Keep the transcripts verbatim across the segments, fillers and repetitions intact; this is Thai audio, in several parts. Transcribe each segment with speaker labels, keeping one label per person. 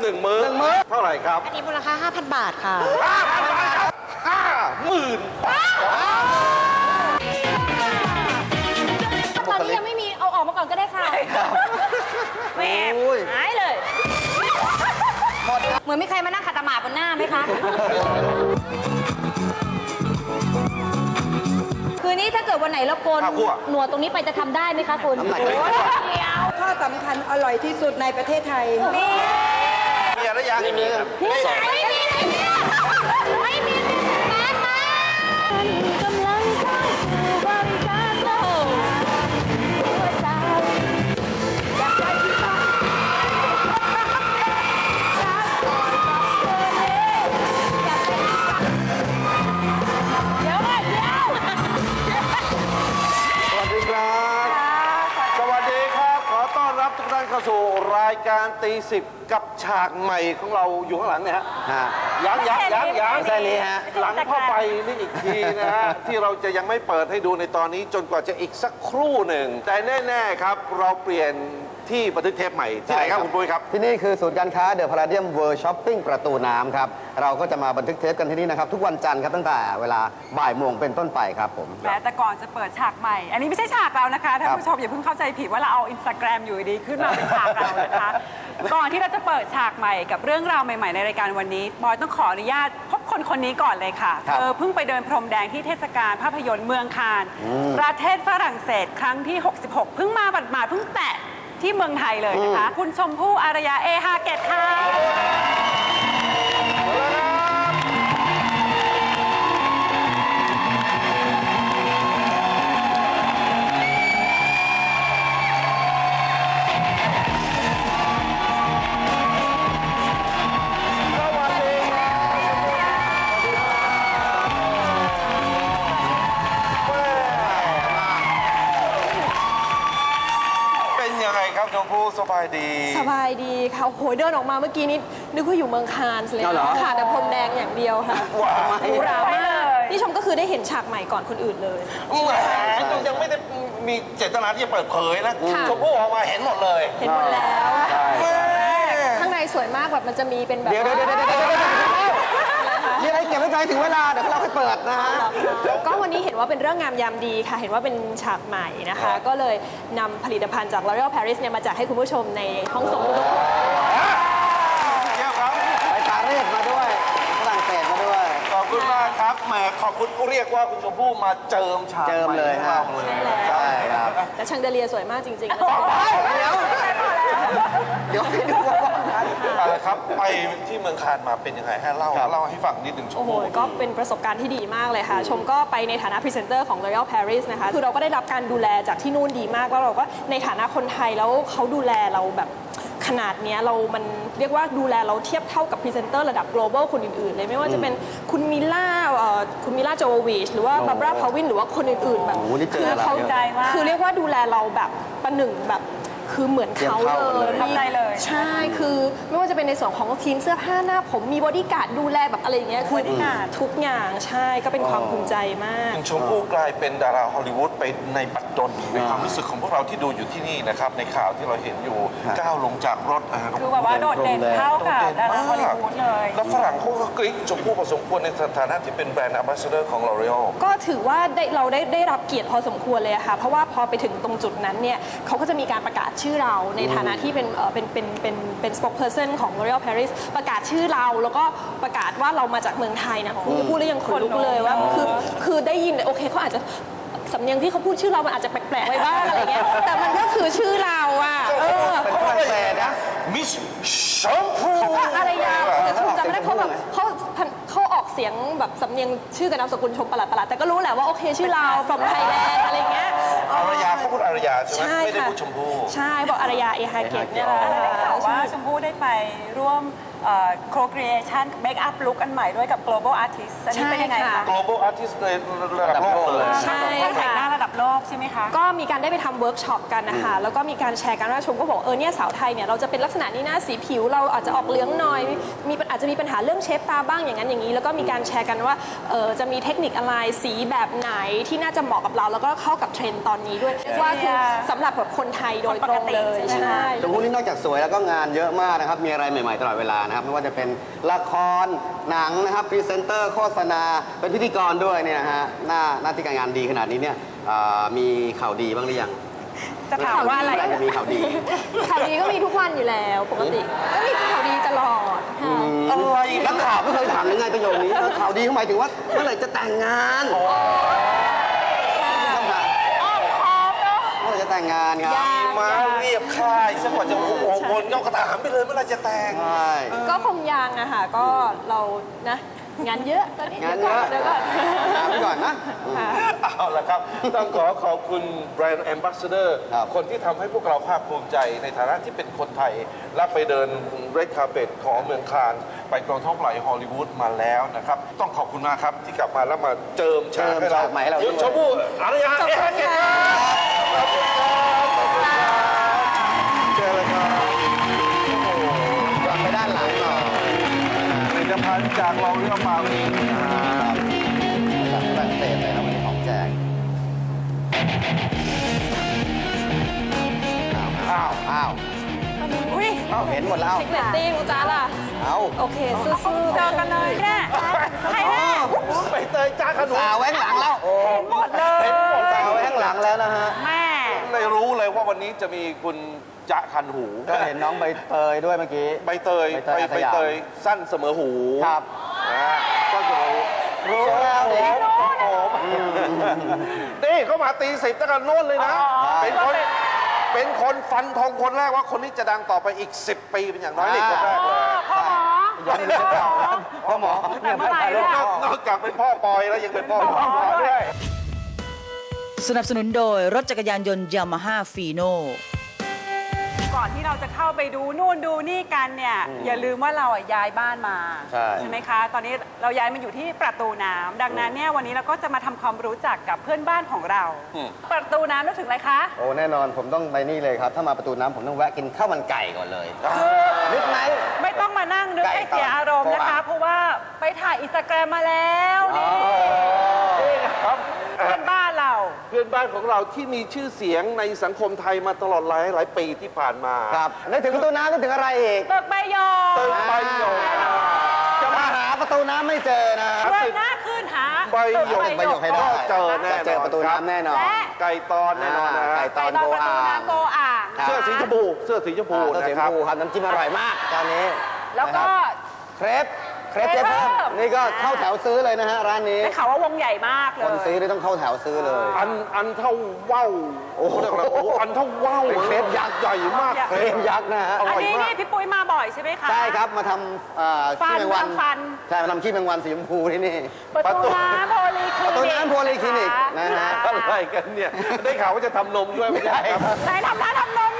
Speaker 1: นึ่งมื้อหนึ่งมื้อเท่าไหร่ครับ
Speaker 2: อันนี้มูลค่า ห้าพัน บาทค่ะ
Speaker 1: ห้าพันบาทครับห้าหมื่น
Speaker 3: ตอนนี้ยังไม่มีเอาออกมาก่อนก็ได้ค่ะแหมหายเลยเหมือนมีใครมานั่งขัดตะหมาบนหน้าไหมคะคืนนี้ถ้าเกิดวันไหนเราโกนหนวดตรงนี้ไปจะทำได้ไหมคะคุณเดียว
Speaker 4: ข้อสำคัญอร่อยที่สุดในประเทศไทย
Speaker 3: มี
Speaker 1: มีอะไรยังไม่มีครับ
Speaker 3: นี่ไม่มีไม่มีไม่มีมาตากำลังเข้าสู่บริการโลกหัวใจอยากไปที่บ้านรักก่อนกับเธอเลยอยากไปที่บ้านเดี๋ยวก่อนเดี๋ยว
Speaker 1: สวัสดีครับ สวัสดีครับ ขอต้อนรับทุกท่านเข้าสู่รายการตีสิบกับฉากใหม่ของเราอยู่ข้างหลังเนี่ยฮะยังยังยังยัง
Speaker 5: แค่นี้ฮะ
Speaker 1: หลังผ้าใบนี่อีกทีนะฮะ ที่เราจะยังไม่เปิดให้ดูในตอนนี้จนกว่าจะอีกสักครู่หนึ่ง แต่แน่ๆครับเราเปลี่ยนที่บันทึกเทปใหม่ที่ไหนครับคุณปุ้ยครับ
Speaker 5: ที่นี่คือศูนย์การค้าเดอะพาราเดียมเวิร์ช้อปปิ้งประตูน้ำครับ เราก็จะมาบันทึกเทปกันที่นี่นะครับ ทุกวันจันทร์ครับตั้งแต่เวลาบ่ายโมงเป็นต้นไปครับผม
Speaker 6: แต่ก่อนจะเปิดฉากใหม่ อันนี้ไม่ใช่ฉากเรานะคะท่านผู้ชมอย่าเพิ่งเข้าใจผิดว่าเราเอาอินสตาแกรมอยู่ดีขึ้นมาเป็นฉากเรานะคะ ก่อนที่เราจะเปิดฉากใหม่กับเรื่องราวใหม่ๆในรายการวันนี้บอยต้องขออนุญาตพบคนคนนี้ก่อนเลยค่ะ
Speaker 5: ครับ
Speaker 6: เธอเพิ่งไปเดินพรมแดงที่เทศกาลภาพยนตร์เมืองคานประเทศฝรั่งเศสครั้งที่หกสิบหกเพิ่งมาบัดมาเพิ่งแตะที่เมืองไทยเลยนะคะ คุณชมพู่อารยาเอฮาเกตค่ะ
Speaker 1: เป็นยังไงครับชมพู่สบายดี
Speaker 4: สบายดีค่ะโอ้โหเดินออกมาเมื่อกี้นี้นึกว่าอยู่เมืองคานส์เลย
Speaker 5: เอาเหรอ
Speaker 4: ค่ะแต่พรมแดงอย่างเดียวค่ะ
Speaker 1: ว้าว
Speaker 4: หรูหรามากนี่ชมก็คือได้เห็นฉากใหม่ก่อนคนอื่นเลย
Speaker 1: แหมยังไม่ได้มีเจตนาที่จะเปิดเผยนะ
Speaker 4: ค่ะ
Speaker 1: ชมพู่ออกมาเห็นหมดเลย
Speaker 4: เห็นหมดแล้ว
Speaker 1: แม่
Speaker 4: ข้างในสวยมากแบบมันจะมีเป็นแบบ
Speaker 5: เดี๋ยวเดี๋ยวเดี๋ยวเดี๋ยวเดี๋ยวเดี๋ยวมีอะไรเก็บไว้ใจถึงเวลาเดี๋ยวเราค่อยเปิดนะฮะ
Speaker 4: ก็วันนี้เห็นว่าเป็นเรื่องงามยามดีค่ะ เห็นว่าเป็นฉากใหม่นะคะ ก็เลยนำผลิตภัณฑ์จาก L'Oréal Paris เนี่ยมาแจกให้คุณผู้ชมในห้องส่งทุกคน
Speaker 1: เยี่ยมครับ
Speaker 5: ไปปารีสมาด้วยฝรั่งเศสมาด้วย
Speaker 1: ขอบคุณมากครับแหมขอบคุณเรียกว่าคุณชมพู่มาเจิมฉาก
Speaker 5: เจิมเลย
Speaker 1: ให
Speaker 5: ฮะ
Speaker 1: ให้เราเลย
Speaker 5: ใช่ครับ
Speaker 4: แต่ชังเดเลียสวยมากจริงๆนะ
Speaker 5: เดี๋ยวเดี๋ยวให้ดูว่า
Speaker 1: อะไรครับไปที่เมืองคานมาเป็นยังไงฮะเล่า
Speaker 5: ครับ
Speaker 1: เล่าให้ฟังนิดหนึ่งชม
Speaker 4: โอ้โห
Speaker 1: พู่
Speaker 4: ก็เป็นประสบการณ์ที่ดีมากเลยค่ะ ชมก็ไปในฐานะพรีเซนเตอร์ของ L'Oréal Paris นะคะ คือเราก็ได้รับการดูแลจากที่นู่นดีมาก แล้วเราก็ในฐานะคนไทยแล้วเขาดูแลเราแบบขนาดเนี้ยเรามันเรียกว่าดูแลเราเทียบเท่ากับพรีเซนเตอร์ระดับ global คนอื่นๆเลย ไม่ว่าจะเป็นคุณมิล่าเอ่อคุณมิล่าโจวิชหรือว่าบาบราพาวินหรือว่าคนอื่นๆแบบ
Speaker 5: โอ้โหนี่เจอ
Speaker 4: คือ
Speaker 5: อะไร
Speaker 4: เขา
Speaker 6: ใจมาก
Speaker 4: คือเรียกว่าดูแลเราแบบประหนึ่งแบบคือเหมือนเขา
Speaker 5: เทียบเท่ากัน
Speaker 4: เล
Speaker 5: เลย ย
Speaker 6: ทำใจเลย
Speaker 4: ใช่ คือไม่ว่าจะเป็นในส่วนของทีมเสื้อผ้าหน้าผมมีบอดี้การ์ดดูแลแบบอะไรอย่างเงี้ยคือทุกอย่างใช่ก็เป็นความภูมิใจมาก
Speaker 1: คุณชมพู่กลายเป็นดาราฮอลลีวูดไปในปัจจุบันในความรู้สึกของพวกเราที่ดูอยู่ที่นี่นะครับในข่าวที่เราเห็นอยู่ก้าวลงจากรถอ่า
Speaker 6: คือแบบว่าโดดเด่นเท่ากับดาราฮอลลีวูดเลย
Speaker 1: แล้วฝรั่งเขาก็กรี๊ดชมพู่พอสมควรในฐานะที่เป็นแบรนด์ Ambassador ของ L'Oreal
Speaker 4: ก็ถือว่าได้เราได้ได้รับเกียรติพอสมควรเลยอะค่ะ เพราะว่าพอไปถึงตรงจุดนั้นเนี่ยเขาก็จะมีการประกาศชื่อเราในฐานะที่เป็นเอ่อเป็นเป็นเป็นเป็น spokesperson ของ L'Oréal Paris ประกาศชื่อเราแล้วก็ประกาศว่าเรามาจากเมืองไทยนะคุณพูดแล้วยังขนลุกเลยว่าคือคือได้ยินโอเคเขาอาจจะสำเนียงที่เขาพูดชื่อเรามันอาจจะแปลกๆไว้บ้างอะไรเงี้ยแต่มันก็คือชื่อเราอะเออ
Speaker 5: เป็นฝรั่งเศสนะ
Speaker 1: มิสชมพู่
Speaker 4: อะไรยาวแต่ชมจำไม่ได้เพราะแบบเขาเขาออกเสียงแบบสำเนียงชื่อกับนามสกุลชมประหลาดประหลาดแต่ก็รู้แหละว่าโอเคชื่อเรา from Thailand อะไรเงี้ย
Speaker 1: อารยาเขาพูดอารยาใช่ไหม
Speaker 4: ใช่
Speaker 1: ไม่ได้
Speaker 4: ค่ะ
Speaker 1: พูดชมพู่
Speaker 4: ใช่บอกอารยาเอฮาเกตเนี่ยแหละ
Speaker 6: ได้ข่าวว่าชมพู่ได้ไปร่วมโครครีเอชันเมคอัพลุคอันใหม่ด้วยกับ global artist อันนี้เป็นยังไง
Speaker 4: ใช่
Speaker 6: คะ
Speaker 4: ค่ะ
Speaker 1: global artist ในระดับโลกเลย
Speaker 4: ใช่
Speaker 6: ต้องแต่งหน้า
Speaker 4: ค่ะ
Speaker 6: ระดับโลกใช่ไหมคะ
Speaker 4: ก็มีการได้ไปทำเวิร์กช็อปกันนะคะ แล้วก็มีการแชร์กันว่าชมก็บอกเออเนี่ยสาวไทยเนี่ยเราจะเป็นลักษณะนี้นะสีผิวเราอาจจะออกเหลืองหน่อยมีอาจจะมีปัญหาเรื่องเชฟตาบ้างอย่างนั้นอย่างนี้ แล้วก็มีการแชร์กันว่าเออจะมีเทคนิคอะไรสีแบบไหนที่น่าจะเหมาะกับเรา แล้วก็เข้ากับเทรนด์ตอนนี้ด้วยว่าคือสำหรับแบบคนไทยโดยตรงเลย
Speaker 6: คนปกติใช่ไหม
Speaker 4: ใช่
Speaker 5: ชมพู่นี่นอกจากสวยแล้วก็งานเยอะมากนะครับ มีอะไรใหม่ๆตลอดเวลานะครับ ไม่ว่าจะเป็นละคร หนังนะครับ พรีเซนเตอร์ โฆษณา เป็นพิธีกรด้วยเนี่ยนะฮะ หน้าหน้าที่การงานดีขนาดนี้เนี่ยเอ่อมีข่าวดีบ้างหรือยัง
Speaker 6: จะถามว่าอะไร
Speaker 5: เมื่หจะมีข่าวดี
Speaker 4: ข่าวดีก็มีทุกวันอยู่แล้วปกติก็มีข่าวดีตลอดค่ะ
Speaker 5: อะไรนักข่าวไม่เคยถามยังไงประโยคนี้ข่าวดีเขาหมายถึงว่าเมื่อไหร่จะแต่งงานคำถาม
Speaker 6: อ้อมค้อมเนาะ
Speaker 5: เมื่อไหร่จะแต่งงานครับ
Speaker 1: มาเรียบค่ายสักกว่าจะโอ้โหวนก็กระถามไปเลยเมื่อไหรจะแต่ง
Speaker 5: ใช่
Speaker 4: ก็คงยังอะค่ะก็เรานะงานเยอะตอนนี้
Speaker 5: งานเยอะ
Speaker 4: เดี๋ยวก่อน
Speaker 5: ถามไปก่อนนะ
Speaker 4: ค่ะ
Speaker 1: เอาละครับ ต้องขอขอบคุณแบรนด์แอมบ s สเดอร์
Speaker 5: ครับ
Speaker 1: คนที่ทำให้พวกเราภาคภูมิใจในฐานะที่เป็นคนไทย และไปเดินเรดคาร์เปตของเมืองคานส์ไปกองท้องปล่อยฮอลลีวูดมาแล้วนะครับ ต้องขอบคุณมากครับ ที่กลับมาแล้วมาเจิมฉากให้เรา
Speaker 5: เจิมฉากใหม่ให้เราด้วย
Speaker 1: ชมพู่อารยา
Speaker 4: ขอบคุณ
Speaker 1: เอ๊ะ
Speaker 4: ค่ะ
Speaker 1: ขอบคุณครับขอบคุณครับเจอเลยครับโอ้โห
Speaker 5: กลับไปด้านหลังหน่อย
Speaker 1: ผลิตภัณฑ์จากเราเรื่องมาวันนี้นะครับ
Speaker 5: จากฝรั่งเศสเลยครับวันนี้ของแจกอ้าวอ้าว
Speaker 6: อุ้ย
Speaker 5: อ้าวเห็นหมดแล้ว
Speaker 4: เทคเนตติ้งจ้าล่ะ
Speaker 5: เอา
Speaker 4: โอเคสู้
Speaker 6: เจอกันเลยแน่ใครแน่
Speaker 1: ไปเตยจ้าขนุน
Speaker 5: สาวไว้ข้างหลังแล้วโอ้
Speaker 6: หมดเลย
Speaker 1: เห็นหมด
Speaker 5: สาวไว้ข้างหลังแล้วนะฮะ
Speaker 6: แม่
Speaker 1: เลยรู้เลยว่าวันนี้จะมีคุณจะคันหู
Speaker 5: ก็เห็นน้องใบเตยด้วยเมื่อกี้
Speaker 1: ใบเตย
Speaker 5: ใบเตยอา
Speaker 1: ใบ
Speaker 5: สยาม
Speaker 1: เตยสั้นเสมอหู
Speaker 5: ครับ
Speaker 1: นะฮะสั้นเสมอหู
Speaker 5: รู้แล้วดิ
Speaker 1: โอ้โหนี่เขามาตีสิบตั้งแต่โน้นเลยนะ เป็นคนเป็นคนฟันธงคนแรกว่าคนนี้จะดังต่อไปอีกสิบปีเป็นอย่างน้อยนี่คนแรกเลย
Speaker 6: พ่อหมอ
Speaker 5: ย้อนไปเก่าครับพ่อหมอ
Speaker 6: แต่เมื่อไหร่
Speaker 5: เนี่ย
Speaker 6: ล่ะ
Speaker 1: นอกจากเป็นพ่อปอยแล้วยังเป็นพ่อหมอด้วย
Speaker 2: สนับสนุนโดยรถจักรยานยนต์ยามาฮ่าฟีโน
Speaker 6: ก่อนที่เราจะเข้าไปดูนู่นดูนี่กันเนี่ย อย่าลืมว่าเราอ่ะย้ายบ้านมา
Speaker 5: ใช่
Speaker 6: ไหมคะ ตอนนี้เราย้ายมาอยู่ที่ประตูน้ำดังนั้นเนี่ยวันนี้เราก็จะมาทำความรู้จักกับเพื่อนบ้านของเรา ประตูน้ำนึกถึงอะไรคะ
Speaker 5: โอ้แน่นอนผมต้องไปนี่เลยครับ ถ้ามาประตูน้ำผมต้องแวะกินข้าวมันไก่ก่อนเลยนึกไหม
Speaker 6: ไม่ต้องมานั่งนึก
Speaker 5: ไก่
Speaker 6: ให้เสียอารมณ์นะคะ
Speaker 5: ตอน
Speaker 6: เพราะว่าไปถ่ายอินสตาแกรมมาแล้วนี่
Speaker 1: นี่ครับ
Speaker 6: เพื่อนบ้านเรา
Speaker 1: เพื่อนบ้านของเราที่มีชื่อเสียงในสังคมไทยมาตลอดหลายหลายปีที่ผ่านมา
Speaker 5: ครับนึกถึงประตูน้ำนึกถึงอะไรอีก
Speaker 6: ตึกใบหยก
Speaker 1: ตึกใบหยก
Speaker 5: จะมาหาประตูน้ำไม่เจอนะ
Speaker 6: เลื่อนหน้าขึ้นหา
Speaker 1: ใบหยก
Speaker 6: ตึก
Speaker 5: ใบหยกให้ได้
Speaker 1: เจอแน่นอน
Speaker 5: จะเจอประตูน้ำแน่นอน
Speaker 6: และ
Speaker 1: ไก่ตอนแน่นอนนะฮะ
Speaker 5: ไก่
Speaker 6: ไปตอนประตูน้ำโกอ่าง
Speaker 5: ครับ
Speaker 1: เสื้อสีชมพูเสื้อสีชมพู
Speaker 5: อ่าตัว
Speaker 1: นะ
Speaker 5: สีช
Speaker 1: ค
Speaker 5: ม
Speaker 1: รับ
Speaker 5: พูครับน้ำจิ้มอร่อยมากตอนนี้
Speaker 6: แล้วก็
Speaker 5: นะครับเครปเครปเจ๊เพิ่ม
Speaker 6: เจ๊เพิ่ม
Speaker 5: นี่ก็เข้าแถวซื้อเลยนะฮะร้านนี้
Speaker 6: ได้ข่าวว่าวงใหญ่มากเล
Speaker 5: คน
Speaker 6: ย
Speaker 5: ซื้อนี่ต้องเข้าแถวซื้อเลย
Speaker 1: อันอันเท่าว่าวโอ้โหโอ้โหอันเท่าว่าว
Speaker 5: เป็นเครปยักษ์
Speaker 1: ใหญ่มาก
Speaker 5: เครปยักษ์นะฮะ
Speaker 1: อ
Speaker 6: อัน
Speaker 1: ร่อย
Speaker 6: นี้
Speaker 1: มา
Speaker 6: นี่
Speaker 1: ก
Speaker 6: พี่ปุ้ยมาบ่อยใช่ไหมคะ
Speaker 5: ใช่ครับมาทำเอ่อ
Speaker 6: ฟั
Speaker 5: ขี้
Speaker 6: น
Speaker 5: แมงวัน
Speaker 6: ทำฟัน
Speaker 5: ใช่มาทำขี้แมงวันสีชมพูที่นี่
Speaker 6: ประตูน้ำโพลีคลินิก
Speaker 5: ประตูน้ำโพลีคลินิกนะฮะ
Speaker 1: อะไรกันเนี่ย ได้ข่าวว่าจะทำนมด้วยไม่ใช่ครับ
Speaker 6: ไหนทำร้านทำนม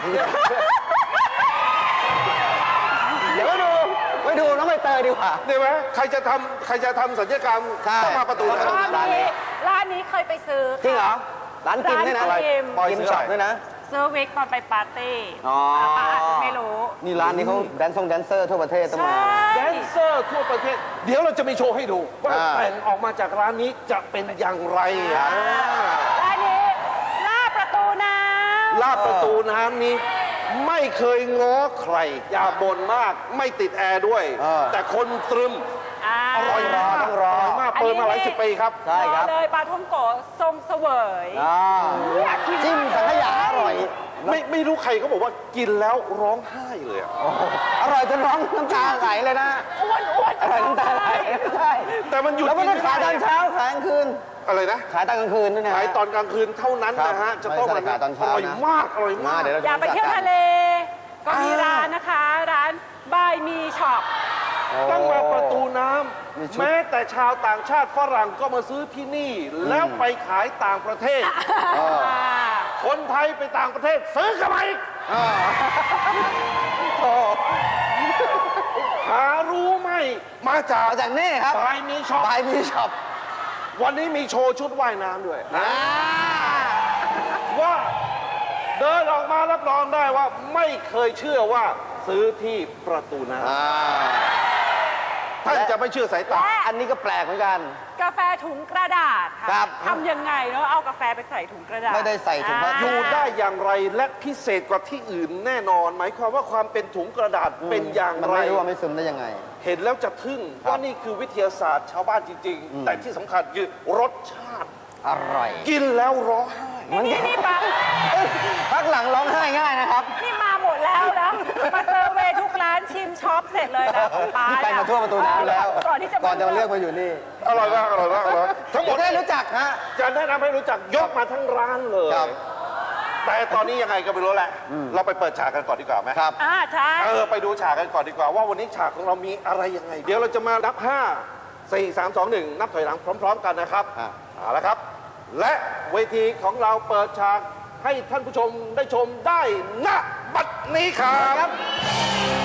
Speaker 5: เดี๋ยวไปดูไปดูน้องใบเตยดีกว่า
Speaker 1: ได้ไหมใครจะทำใครจะทำสัญญกรรม
Speaker 5: ใช่
Speaker 1: ต้องมาประตู
Speaker 5: ประตู
Speaker 1: น้ำ
Speaker 6: ร้านนี้ร้านนี้เคยไปซื้อ
Speaker 5: จริงเหรอ ร้านกินด้วยนะ
Speaker 6: ร้านกิน
Speaker 5: ปอยกินช็อปด้วยนะ
Speaker 6: ซื้อวิกตอนไปปาร์ตี้
Speaker 5: อ๋อ
Speaker 6: ป้าอาจจะไม่รู้
Speaker 5: นี่ร้านนี้เขาแดนซ์ทรงแดนเซอร์ทั่วประเทศต้องมา
Speaker 1: แดนเซอร์ทั่วประเทศ เดี๋ยวเราจะมีโชว์ให้ดู ว่า
Speaker 5: อ่า
Speaker 1: แต่งออกมาจากร้านนี้จะเป็นอย่างไรอ่ะ
Speaker 6: ร้านนี้ลาดประตูน้ำ
Speaker 1: ลาดประตูน้ำนี้ไม่เคยง้อใคร อย่าบ่นมากไม่ติดแอร์ด้วย
Speaker 5: เออ
Speaker 1: แต่คนตรึม
Speaker 6: อ่า
Speaker 1: อร่อยมาก
Speaker 5: ต้องรอ
Speaker 1: ร่อยมากเปิดมาหลายสิบปีครับ
Speaker 5: ใช่ครับ
Speaker 6: เลยปลาท่องโกะทรงเสวย
Speaker 5: อ่า
Speaker 6: อยากกิน
Speaker 5: จิ้มสังขยาอร่อย
Speaker 1: ไม่ไม่รู้ใครเขาบอกว่ากินแล้วร้องไห้เลยอะ
Speaker 5: อร่อยจนร้องน้ำตาไหลเลยนะ
Speaker 6: อ้วนอ้วน
Speaker 5: อร่อยน้ำตาไหลใช่
Speaker 1: แต่มันหยุด
Speaker 5: แล้วไม่ได้ขายตอน
Speaker 1: กิน
Speaker 5: เช้าขายกลางคืน
Speaker 1: อะไรนะ
Speaker 5: ขายตอนกลางคืนด้วยนะ
Speaker 1: ขายตอนกลางคืนเท่านั้นนะ
Speaker 5: ครั
Speaker 1: ฮะ
Speaker 5: บ
Speaker 1: จะต้อง
Speaker 5: ไม่ใช่ขายตอนเช้า
Speaker 1: อร่อย
Speaker 5: นะ
Speaker 1: มากอร่อยมาก
Speaker 5: มาเดี๋ยวเรา
Speaker 6: อยากไปเที่ยวทะเล ก็มีร้านนะคะ ร้านบายมีช็อป
Speaker 1: ต้องมาประตูน้
Speaker 5: มีชุด
Speaker 1: ำแม้แต่ชาวต่างชาติฝรั่งก็มาซื้อที่นี่ แล้วไปขายต่างประเทศ คนไทยไปต่างประเทศซื้อกลับมาอีก
Speaker 5: อ่าโอ้
Speaker 1: หารู้ไหมมาจาก
Speaker 5: มาจากนี่ครับ
Speaker 1: บายมีช็อป
Speaker 5: บายมีช็อป
Speaker 1: วันนี้มีโชว์ชุดว่ายน้ำด้วย
Speaker 5: อ่า
Speaker 1: ว่าเดินออกมารับรองได้ว่าไม่เคยเชื่อว่าซื้อที่ประตูน้
Speaker 5: อ่า
Speaker 1: ำท่านจะไม่เชื่อสายตา
Speaker 5: อันนี้ก็แปลกเหมือนกัน
Speaker 6: กาแฟถุงกระดาษค่ะ
Speaker 5: ครับ
Speaker 6: ทำยังไงเนาะเอากาแฟไปใส่ถุงกระดาษ
Speaker 5: ไม่ได้ใส่ถุงพลาสติก
Speaker 1: อยู่ได้อย่างไรและพิเศษกว่าที่อื่นแน่นอน หมายความว่าความเป็นถุงกระดาษเป็นอย่าง
Speaker 5: มัน
Speaker 1: ไร
Speaker 5: ไม่รู้ว่าไม่ซึมได้ยังไง
Speaker 1: เห็นแล้วจะทึ่งว่านี่คือวิทยาศาสตร์ชาวบ้านจริง ๆ แต่ที่สำคัญคือรสชาติ
Speaker 5: อร่อย
Speaker 1: กินแล้วร้องไห้
Speaker 6: นี่นี่ปัง
Speaker 5: พักหลังร้องไห้ง่ายนะครับ
Speaker 6: นี่มาหมดแล้วนะ มาเซอร์เวย์ทุกร้านชิมช็อปเสร็จเลยนะของป้า
Speaker 5: นี่ไปมาทั่วประตูน้ำแล้ว
Speaker 6: ก่อนที่จะ
Speaker 5: ก่อนจะมาเลือกมาอยู่นี่
Speaker 1: อร่อยมากอร่อยมากอร่อยมากทั้งหมด
Speaker 5: ได้รู้จักฮะ
Speaker 1: จะแนะนำให้รู้จักยกมาทั้งร้านเลย
Speaker 5: ครับ
Speaker 1: แต่ตอนนี้ยังไงก็ไม่รู้แหละ เราไปเปิดฉากกันก่อนดีกว่าไหม
Speaker 5: ครับ
Speaker 6: อ่าใช่
Speaker 1: เออไปดูฉากกันก่อนดีกว่าว่าวันนี้ฉากของเรามีอะไรยังไง เดี๋ยวเราจะมานับ ห้า สี่ สาม สอง หนึ่ง นับถอยหลังพร้อม ๆ กันนะครับ
Speaker 5: อ่ะ
Speaker 1: เอาละครับ และเวทีของเราเปิดฉากให้ท่านผู้ชมได้ชมได้ณบัดนี้ครับ